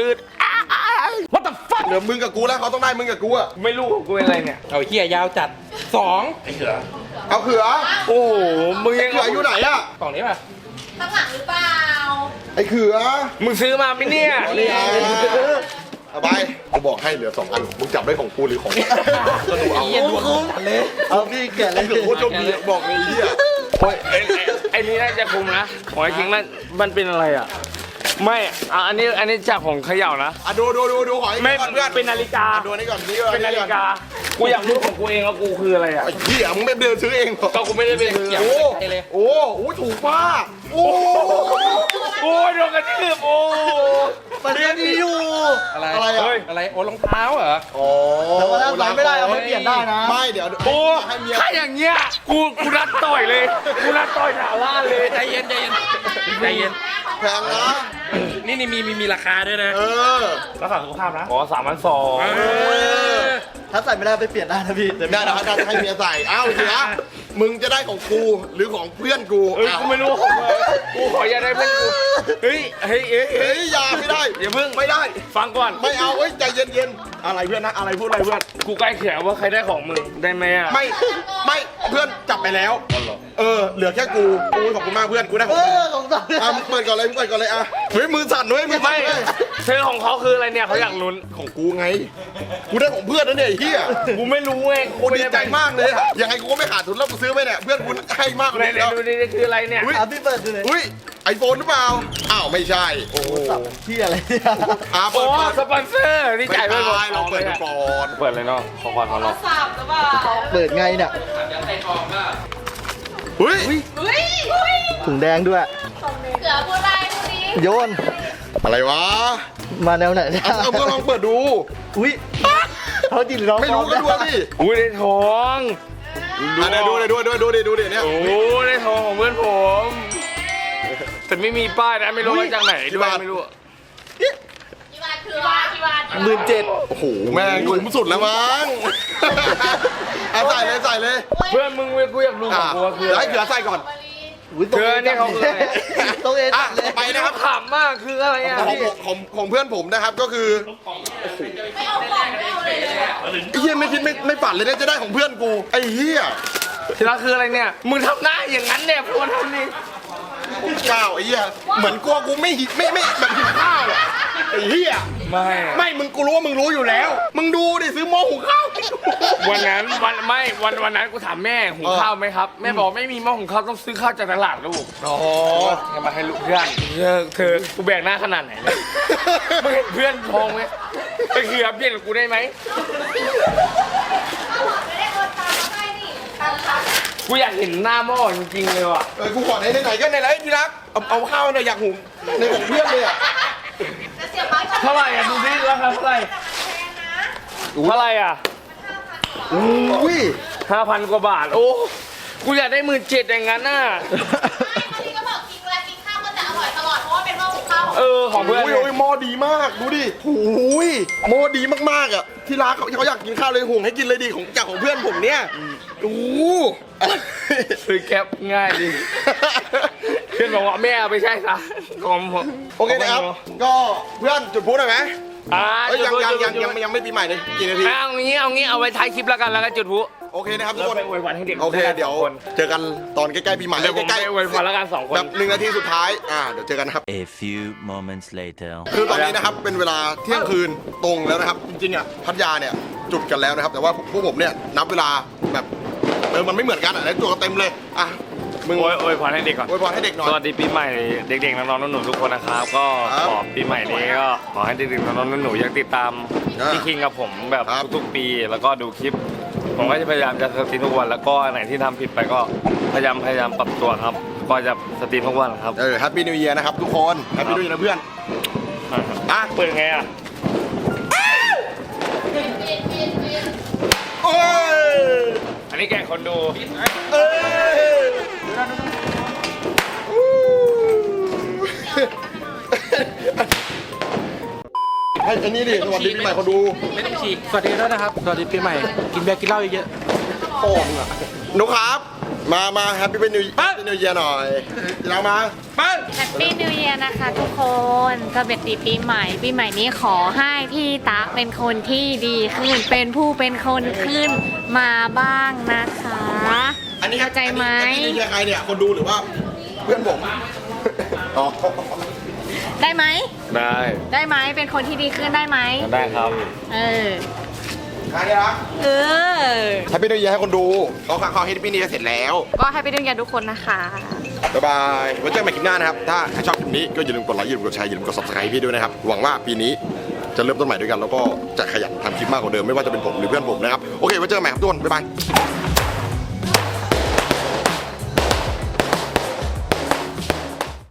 [SPEAKER 3] What the fuck
[SPEAKER 1] เหลือมึงกับกูแล้วเขาต้องได้มึงกับกูอ่ะ
[SPEAKER 3] ไม่รู้ของกูเป็นอะไรเนี่ย
[SPEAKER 5] เอาเฮียยาวจัดสองไอ้เขือ
[SPEAKER 1] เอาเขือ
[SPEAKER 3] โอ้โหมึงยัง
[SPEAKER 1] เขืออยู่ไหนอ่ะ
[SPEAKER 5] กล่องนี้ป่ะ
[SPEAKER 2] ข้างหลังหรือเปล่า
[SPEAKER 1] ไอ้เขือ
[SPEAKER 3] มึงซื้อมาไหมเนี่ย
[SPEAKER 1] นี่ไงเอาไปกูบอกให้เหลือสองอันมึงจับได้ของกูหรือของก็ดูเอา
[SPEAKER 6] เหี้ยดวงจัดเลยเอาพี่แกะเลย
[SPEAKER 1] เขือโคตรโชคดีบอกเลยไอ้เหี้ย
[SPEAKER 3] โอ้ยไอ้ไอ้ไอ้นี่น่าจะคุมนะขอไอ้คิงนั่นมันเป็นอะไรอ่ะ ไม่อ่ะอันนี้อันนี้จากของเขย่านะ
[SPEAKER 1] อ่ะดูดูดูดูขอให้
[SPEAKER 3] ไม่
[SPEAKER 1] ก่อนเพื่อน
[SPEAKER 3] เป็นนาฬิกา
[SPEAKER 1] อ่ะดูอันนี้ก่อนนี่ก่อน
[SPEAKER 3] เป็นนาฬิกา กูอยากรู้ของกูเองว่ากูคืออะไรอ่ะ
[SPEAKER 1] ไอ้เหี้ยมึงไม่เดินซื้อเองเหรอ
[SPEAKER 3] ก็กูไม่ได้เป็น
[SPEAKER 1] โอ้โอ้โหถูกมากโอ้
[SPEAKER 3] โอ้ยโดนกระทืบโอ้
[SPEAKER 6] มันก็ดีอยู่
[SPEAKER 5] อะไร
[SPEAKER 1] อะไรอะ
[SPEAKER 5] เฮ้ยอะไรโอ้รองเท้าเหรอ
[SPEAKER 1] โอ้
[SPEAKER 6] แต่ว่าถ้าใส่ไม่ได้เอาไปเปลี่ยนได้นะ
[SPEAKER 1] ไม่เดี๋ยว
[SPEAKER 3] โอ้
[SPEAKER 1] ให้เมีย
[SPEAKER 3] ถ้าอย่างเงี้ยกูกูนัดต่อยเลยกูนัดต่อยหนาล่านเลย
[SPEAKER 5] ใจเย็นใจเย็นใจเย็น
[SPEAKER 1] แพงนะ
[SPEAKER 5] นี่นี่มีมีมีราคาด้วยนะ
[SPEAKER 1] เออ
[SPEAKER 5] รักษาสุขภาพนะ
[SPEAKER 3] อ๋อสามพันสอง
[SPEAKER 5] เออ
[SPEAKER 6] ถ้าใส่ไม่ได้เอาไปเปลี่ยนได้นะพี่
[SPEAKER 1] ได้เดี๋ยวให้ให้เมียใส่อ้าวเสียมึงจะได้ของกูหรือของเพื่อนกู
[SPEAKER 3] เอ้ยกูไม่รู้ของมึงกูขออย่าได้เพื่อนกูเฮ้ยเฮ้ยเฮ้ยเฮ้
[SPEAKER 1] เฮ้
[SPEAKER 3] ย
[SPEAKER 1] ยอย่าไม่ได้
[SPEAKER 3] อย่าเพิ่ง
[SPEAKER 1] ไม่ได้
[SPEAKER 3] ฟังก่อน
[SPEAKER 1] ไม่เอาเอ้ยใจเย็นๆอะไรเพื่อนนะอะไรพูดอะไรเพื่อน
[SPEAKER 3] กูใกล้เขียนว่าใครได้ของมึงได้ไหมอ่ะ
[SPEAKER 1] ไม่ไม่เพื่อนจับไปแล้ว เออเหลือแค่กูกูขอบคุณมากเพื่อนกูได้ข
[SPEAKER 6] เอ
[SPEAKER 1] องมึง
[SPEAKER 6] อของใส่
[SPEAKER 1] อ่ะมึงเปิดก่อนเลยมึงเปิดก่อนเลยอ่ะเฮ้ยมือสั่นด้วยมือสั่
[SPEAKER 3] ไม่
[SPEAKER 1] นด้วย
[SPEAKER 3] เธอของเขาคืออะไรเนี่ยเขาอยากลุ้น
[SPEAKER 1] ของกูไงกูได้ของเพื่อนนะเนี่ยไอ้เหี้ย
[SPEAKER 3] กูไม่รู้ไง
[SPEAKER 1] กูดีใจมากเลยอะยังไงกูก็ไม่ขาดทุนแล้วกูซื้อไปเนี่ยเพื่อนกูให้มากกว่า
[SPEAKER 3] ไหน
[SPEAKER 1] นี้
[SPEAKER 3] ไหน
[SPEAKER 1] แล้ว
[SPEAKER 3] ดูดินี่คืออะไรเนี่ย
[SPEAKER 6] อ่ะพี่เปิดดูเลย
[SPEAKER 1] อุ้ยไอโฟนหรือเปล่าอ้าวไม่ใช่โอ้โห
[SPEAKER 6] สับที่อะไรเนี่ย
[SPEAKER 1] อ่ะ
[SPEAKER 3] โอ้
[SPEAKER 1] เปิดเปิด
[SPEAKER 3] สปอนเซอร์นี่
[SPEAKER 1] ไม่
[SPEAKER 3] จ่ายไปหมด
[SPEAKER 1] ใช่เราเปิดดูก่อน
[SPEAKER 3] เปิดเลยเนาะขอก่อนขอลอง
[SPEAKER 6] เปิดไงเนี่ย
[SPEAKER 1] เฮ้ย
[SPEAKER 2] เฮ้ยเฮ้ย
[SPEAKER 6] ถุงแดงด้วย
[SPEAKER 2] เสือพูดอะไรพูดดี
[SPEAKER 6] โยน
[SPEAKER 1] อะไรวะ
[SPEAKER 6] มาแนวไหนเนี่ย
[SPEAKER 1] เอาเอาก็ลองเปิดดู
[SPEAKER 6] อุ้ยเขาจริงหรือน้อง
[SPEAKER 1] ไม่รู้ก็ดูดิ
[SPEAKER 3] อุ้ยได้ทอง
[SPEAKER 1] อ่ะเดี๋ยวดูเดี๋ยวดูเดี๋ยวดูเดี๋ยวดูเดี๋ยวเนี่ย
[SPEAKER 3] โอ้ได้ทองของเพื่อนผมแต่ไม่มีป้ายนะไม่รู้มาจากไหนด้วยไม่รู้
[SPEAKER 2] กี่บาทคือว่ากี่บาท
[SPEAKER 6] หมื่นเจ็ด
[SPEAKER 1] โอ้โหแม่งคุ้มสุดแล้วมั้งเอาใส่เลยใส่เลย
[SPEAKER 3] เพื่อนมึงเว้ยกูอยากรู้ข
[SPEAKER 1] อ่ะ
[SPEAKER 3] องกูว่าคือ
[SPEAKER 1] เดี๋ยว
[SPEAKER 3] อะไร
[SPEAKER 1] ให้เขือใส่ก่อน
[SPEAKER 6] อุ้ยตัว
[SPEAKER 3] เธอเนี่ยเขาคืออะไร
[SPEAKER 6] ตัวเอง
[SPEAKER 1] อ่ะ
[SPEAKER 6] เลย
[SPEAKER 1] ต่อไปนะครับ
[SPEAKER 3] ขำมากคืออะไรอ่ะ
[SPEAKER 1] ของผมของของเพื่อนผมนะครับก็คือ
[SPEAKER 2] ไม่เอาของไม่เอาเลยเลยอะ
[SPEAKER 1] ไอ้เหี้ยไม่คิดไม่ไม่ฝันเลยนะจะได้ของเพื่อนกูไอ้เหี้ย
[SPEAKER 3] ทีละคืออะไรเนี่ยมึงทำหน้าอย่างนั้นเนี่ยพูดทำนี่
[SPEAKER 1] ข้าวไอ้เหี้ยเหมือนกลัวกูไม่หิไม่ไม่แบบหิวข้าวอะไอ้เหี้ย
[SPEAKER 3] ไม่
[SPEAKER 1] ไม่มึงกูรู้ว่ามึงรู้อยู่แล้ว มึงดูดิซื้อหม้อหุงข้าว
[SPEAKER 3] วันนั้นวันไม่วันวันนั้นกูถามแม่หุงข้าวไหมครับแม่บอกไม่มีหม้อหุงข้าวต้องซื้อข้าวจากตลาดลูก
[SPEAKER 1] อ๋อ
[SPEAKER 3] จะมาให้ลูกเพื่อนเธอเธอกูแบกหน้าขนาดไหนเนี่ยมึงเห็นเพื่อนทองไหมไปเคลียร์เพื่อนกับกูได้ไหม
[SPEAKER 2] ไม่ได้โอนตังค์ให้นี่ตังค์ค่ะ
[SPEAKER 3] กูอยากเห็นหน้าหม้อจริงๆเลยว่ะ
[SPEAKER 1] เออกูขอไหนไหนๆก็ไหนไรที่รักเอาเอาข้าวหน่อยอยากหุงในของเพื่อนเลยอ่ะ
[SPEAKER 2] จะเสียบไม้ช็อต
[SPEAKER 3] เท่าไหร่อ่ะดูดิราคาเท่าไหร่
[SPEAKER 2] แพงนะ
[SPEAKER 3] เท่าไหร่อ่ะ
[SPEAKER 1] อุ้ย
[SPEAKER 3] ห้าพันกว่าบาทโอ้กูอยากได้หมื่นเจ็ดอย่างนั้นน่ะ
[SPEAKER 2] ไม่วันนี้ก็บอกกินเวลากินข้าวก็จะอร่อยตลอดเพราะว่าเป็นหม้อหุงข้าวของ
[SPEAKER 3] เออของเพื่อน
[SPEAKER 1] โอ้ยโอ้ยหม้อดีมากดูดิโอ้ยหม้อดีมากๆอ่ะที่รักเขาเขาอยากกินข้าวเลยหุงให้กินเลยดิของจากของเพื่อนผมเนี่ยโอ้
[SPEAKER 3] ซื้อแก๊ปง่ายดีเพื่อนบอกว่าแม่เอาไปใช่ซะของผม
[SPEAKER 1] โอเคนะครับ ก็เพื่อนจุดพูดหน่อยไหม
[SPEAKER 3] อ่า
[SPEAKER 1] เอ้ยยังยังยัง
[SPEAKER 3] จุด
[SPEAKER 1] ยังยังไม่ปีใหม่เลยกี่นาที
[SPEAKER 3] เอางี้เอางี้เอาไว้ท้ายคลิปแล้วกันแล้วก็จุดพลุ
[SPEAKER 1] โอเคนะครับทุก
[SPEAKER 3] แล้ว
[SPEAKER 1] คน
[SPEAKER 3] ไปอวยพรให้เด็ก
[SPEAKER 1] โอเคเดี๋ยว
[SPEAKER 3] สองคน
[SPEAKER 1] เจอกันตอนใกล้ๆปีใหม่
[SPEAKER 3] เดี๋ยวผม
[SPEAKER 1] ใกล้
[SPEAKER 3] ไปอวยพรแล้วกันสองคน
[SPEAKER 1] แบบหนึ่งนาทีสุดท้ายอ่าเดี๋ยวเจอกันนะครับ
[SPEAKER 4] A few moments later.
[SPEAKER 1] คือตอนนี้นะครับเป็นเวลาเที่ยงคืนตรงแล้วนะครับ จริงๆอ่ะพัทยาเนี่ยจุดกันแล้วนะครับ แต่ว่าพวกผมเนี่ยนับเวลาแบบเออมันไม่เหมือนกันอ่ะแล้วจุดกันเต็มเลยอ่ะมึง
[SPEAKER 3] โอ้ยโอ้ยพรให้เด็กก่อน
[SPEAKER 1] อวยพรให้เด็กหน่อย
[SPEAKER 3] สวัสดีปีใหม่เด็กๆน้องๆหนูๆทุกคนนะครับ ก็
[SPEAKER 1] ครับ
[SPEAKER 3] ขอปีใหม่นี้ก็ขอให้เด็กๆน้องๆหนูๆยังติดตาม
[SPEAKER 1] อ่า
[SPEAKER 3] พี่คิงกับผมแบบ
[SPEAKER 1] ครับ
[SPEAKER 3] ทุกๆปีแล้วก็ดูคลิป ผมก็จะพยายามจะสตรีมทุกวันแล้วก็อันไหนที่ทำผิดไปก็พยายามพยายามปรับตัวครับ ก็จะสตรีมทุกวันครับ
[SPEAKER 1] เออแฮปปี้นิว e ย r นะครับทุกคนแฮปปี้นิว e ย r นะเพื่อนอ่ะ
[SPEAKER 3] เปิดไงอ่ะ
[SPEAKER 2] เปลี่ยนเปลี่ยนเปลี่ยนเปลี่ยน
[SPEAKER 1] โอ้ย
[SPEAKER 3] อันนี้แกงคนดู
[SPEAKER 1] เอ้ยให้อันนี้ดิสวัสดีปีใหม่เขาดู
[SPEAKER 5] ไม่ต้องฉีกสวัสดีด้วยนะครับ สวัสดีปีใหม่ กินเบียร์กินเหล้าเยอะ
[SPEAKER 1] โป่งอ่ะหนุครับ มามาแฮปปี้เป็นนิวแฮปปี้นิวเยียร์หน่อยเรามา
[SPEAKER 5] ๆปั้น
[SPEAKER 2] แฮปปี้นิวเยียร์นะคะทุกคนสวัสดีปีใหม่ ปีใหม่นี้ขอให้พี่ตะเป็นคนที่ดีขึ้น เป็นผู้เป็นคนขึ้นมาบ้างนะคะ
[SPEAKER 1] อันนี้
[SPEAKER 2] เข้าใจไหม
[SPEAKER 1] อันนี้นิวเยียร์ใครเนี่ยคนดูหรือว่าเพื่อนผมอ๋อ
[SPEAKER 2] ได้ไหม
[SPEAKER 3] ได้
[SPEAKER 2] ได้ไหมเป็นคนที่ดีขึ้นได้ไหม
[SPEAKER 3] ได้ครับ
[SPEAKER 2] เออ
[SPEAKER 1] ใครเนี่ยรัก
[SPEAKER 2] เออ
[SPEAKER 1] แฮปปี้นิวเยียร์ให้คนดูเขาเขาแฮปปี้นิวเยียร์เสร็จแล้ว
[SPEAKER 2] ก็ให้ไปดูกันทุกคนนะคะ
[SPEAKER 1] บ๊ายบายไว้เจอกันใหม่คลิปหน้านะครับ ถ้าใครชอบคลิปนี้ก็อย่าลืมกดไลค์อย่าลืมกดแชร์อย่าลืมกด ซับสไครบ์ พี่ด้วยนะครับ หวังว่าปีนี้จะเริ่มต้นใหม่ด้วยกัน แล้วก็จะขยันทำคลิปมากกว่าเดิมไม่ว่าจะเป็นผมหรือเพื่อนผมนะครับ โอเคไว้เจอกันใหม่ครับทุกคนบ๊ายบาย